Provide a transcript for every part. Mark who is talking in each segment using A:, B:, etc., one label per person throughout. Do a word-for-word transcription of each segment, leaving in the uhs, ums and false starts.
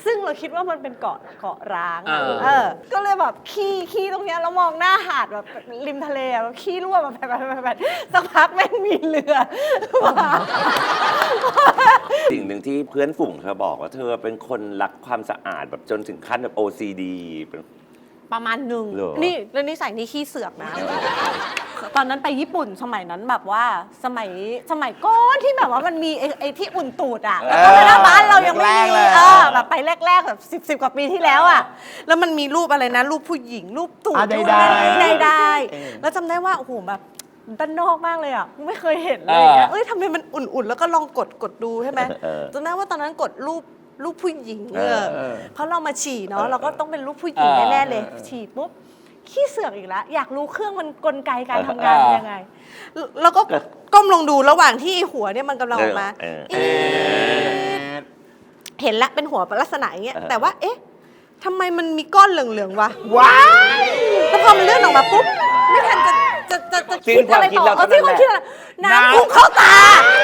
A: ซึ่งเราคิดว่ามันเป็นเกาะเกาะร้างอะเออก็เลยแบบขี้ขี้ตรงเนี้ยแล้วมองหน้าหาดแบบริมทะเลแบบขี้รั่วแบบแบบแบบแบบสักพักแม่งมีเรือมา
B: สิ่งหนึ่งที่เพื่อนฝูงเธอบอกว่าเธอเป็นคนรักความสะอาดแบบจนถึงขั้นแบบ โอ ซี ดี เป็น
A: ประมาณหนึ่ง
B: เหรอ
A: นี่แล้วนิสัยนี่ขี้เสือกนะ ตอนนั้นไปญี่ปุ่นสมัยนั้นแบบว่าสมัยสมัยก้อนที่แบบว่ามันมีไอ้ไอ้ที่อุ่นตูดอ่ะแล้วก็ไม่ได้บ้านเรายังไม่มีเออแบบไปแรกๆแบบสิบสิบกว่าปีที่แล้วอ่ะแล้วมันมีรูปอะไรนะรูปผู้หญิงรูปตูด
C: อ่ะ
A: รูป
C: ได้
A: ใด
C: ๆ
A: ใดๆแล้วจำได้ว่าโอ้โหแบบด้านนอกมากเลยอ่ะไม่เคยเห็นเลยอย่างเงี้ยเอ้ยทำไมมันอุ่นๆแล้วก็ลองกดกดดูใช่ไหมจำได้ว่าตอนนั้นกดรูปรูปผู้หญิงเออเพราะเรามาฉี่เนาะเราก็ต้องเป็นรูปผู้หญิงแน่ๆเลยฉี่ปุ๊บขี้เสือกอีกแล้วอยากรู้เครื่องมันกลไกการทำงานเป็นยังไงแล้วก็ก้มลงดูระหว่างที่หัวเนี่ยมันกำลังออกมาเห็นละเป็นหัวลักษณะอย่างเงี้ยแต่ว่าเอ๊ะทำไมมันมีก้อนเหลืองๆวะว้ายแล้วพอมันเลื่อนออกมาปุ๊บไม่ทันจะจะจะจะคิดอะไรต่อเออที่คนคิดอะไรน้ำพุ่งเข้าตา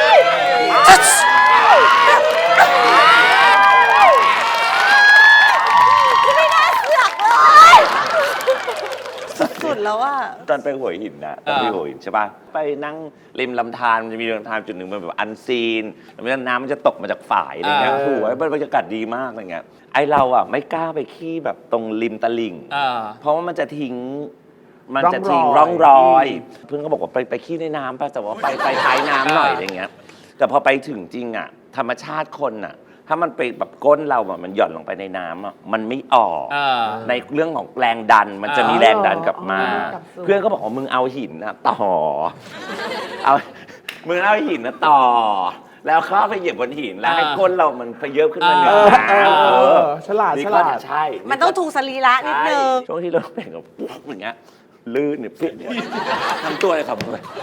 A: สุดแล้วว่า
B: ตอนไปหัวหินนะตอนไปหัวหินใช่ป่ะไปนั่งริมลำธารมันจะมีลำธารจุดหนึ่งมันแบบอันซีนแล้วน้ำมันจะตกมาจากฝายอะไรเงี้ยโอ้โหบรรยากาศดีมากอะไรเงี้ยไอเราอ่ะไม่กล้าไปขี้แบบตรงริมตลิ่งเพราะว่ามันจะทิ้งมันจะทิ้งร่องรอยเพื่อนก็บอกว่าไปไปขี้ในน้ำป่ะแต่ว่าไปไปท้ายน้ำหน่อยอะไรเงี้ยแต่พอไปถึงจริงอ่ะธรรมชาติคนอ่ะถ้ามันไปแบบก้นเราอะมันหย่อนลงไปในน้ำอะมันไม่ออกในเรื่องของแรงดันมันจะมีแรงดันกลับมาเพื่อนก็บอกว่ามึงเอาหินนะต่อเอามึงเอาหินนะต่อแล้วเข้าไปเหยียบบนหินแล้วให้ก้นเรามันพเยอะขึ้นมาเหนือน้ำ
C: ฉลาดฉลาด
B: ใช่
A: มันต้องถูกสรีระนิดนึง
B: ช่วงที่เราเป็นกับปุ๊บอย่างเงี้ยลื่นเนี่ยเปี้ยเนี่ยทำตัวเลยครับ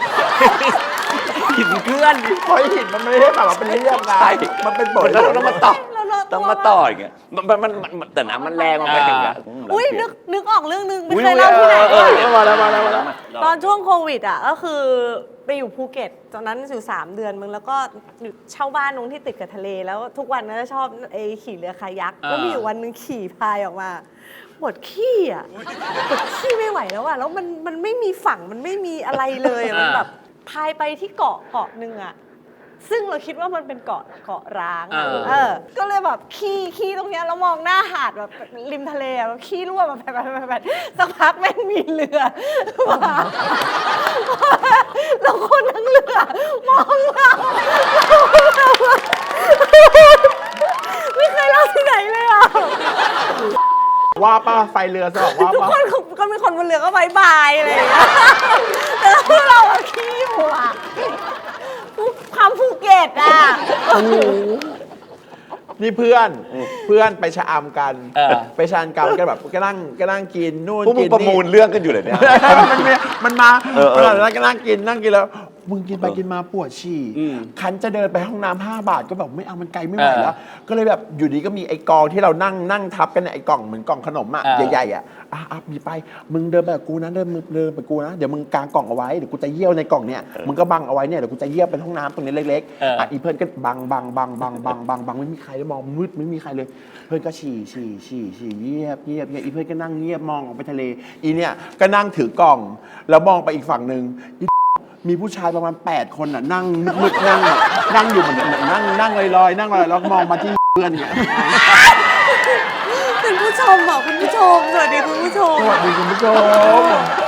B: หินเกลื่อน
C: เพราะหินมันไม่ได้แบบว่าเป็นเรียบนะมันเป็นบท
B: แล้วต้องมาต่อต้องมาต่ออย่างเงี้ยมันมันมันแต่น้ำมันแรงมันไปอย่างเงี้ย
A: อุ้ยนึกนึกออกเรื่องนึงไม่เคยเล่าที่ไหน
C: มาแล้วมาแล้วมาแล้ว
A: ตอนช่วงโควิดอ่ะก็คือไปอยู่ภูเก็ตตอนนั้นอยู่สามเดือนมึงแล้วก็เช่าบ้านตรงที่ติดกับทะเลแล้วทุกวันก็จะชอบไอ้ขี่เรือคายักก็มีอยู่วันนึงขี่พายออกมาปวดขี้อ่ะปวดขี้ไม่ไหวแล้วอ่ะแล้วมันมันไม่มีฝั่งมันไม่มีอะไรเลยมันแบบพายไปที่เกาะเกาะนึงอ่ะซึ่งเราคิดว่ามันเป็นเกาะเกาะร้างอะเออก็เลยแบบขี้ขี้ตรงเนี้ยแล้วมองหน้าหาดแบบริมทะเลแบบขี้รั่วแบบแบบแบบแบบสักพักแม่งมีเรือมาแล้วคนทั้งเรือมองเราไม่เคยเล่าที่ไหนเลยอ่ะ
C: ว่าป้าไฟเรือสอบว่า
A: ทุกคนก็มีคนบนเรือก็บายบายอะไรอย่างเงี้ยแต่เราขี้อยู่อ่ะความภูเก็ตอ่ะ
C: นี่เพื่อนเพื่อนไปชะอำกันไปชะอำกันกันแบบก็นั่งก็นั่งกินนู่นกินนี่
B: ประมูลเรื่องกันอยู่เลยเนี่ย
C: มันมันมาเวลาแล้วก็นั่งกินนั่งกินแล้วมึงกินไปกินมาปวดฉี่คันจะเดินไปห้องน้ำห้าบาทก็แบบไม่เอามันไกลไม่ไหวแล้วก็เลยแบบอยู่ดีก็มีไอ้กองที่เรานั่งนั่งทับกันไอ้กล่องเหมือนกล่องขนมอ่ะใหญ่ๆอ่ะอ่ะมีไปมึงเดินไปกับกูนะเดินเดินไปกูนะเดี๋ยวมึงกางกล่องเอาไว้เดี๋ยวกูจะเยี่ยวในกล่องเนี่ยมึงก็บังเอาไว้เนี่ยเดี๋ยวกูจะเยี่ยวเป็นห้องน้ำตรงนี้เล็กๆอ่ะอีเพื่อนก็บังบังบังบังบังบังบังไม่มีใครเลยมองมืดไม่มีใครเลยเพื่อนก็ฉี่ฉี่ฉี่ฉี่เงียบเงียบเงียบอีเพื่อนก็นั่งเงียบมองออกไปทะเลอีเนี่ยก็นั่งถือกล่องแล้วมองไปอีกฝั่งหนึ่งมีผู้ชายประมาณแปดคนน่ะนั่งมืดนั่งนั่งอยู่เหมือนนั่งนั่งลอยๆนั่งลอยแล้วมองมาที่เพื่อนเนี่ย
A: คุณผู้ชมบอกคุณผู้ชมสวัสดีคุณผู้ชม
C: สวัสดีคุณผู้ชม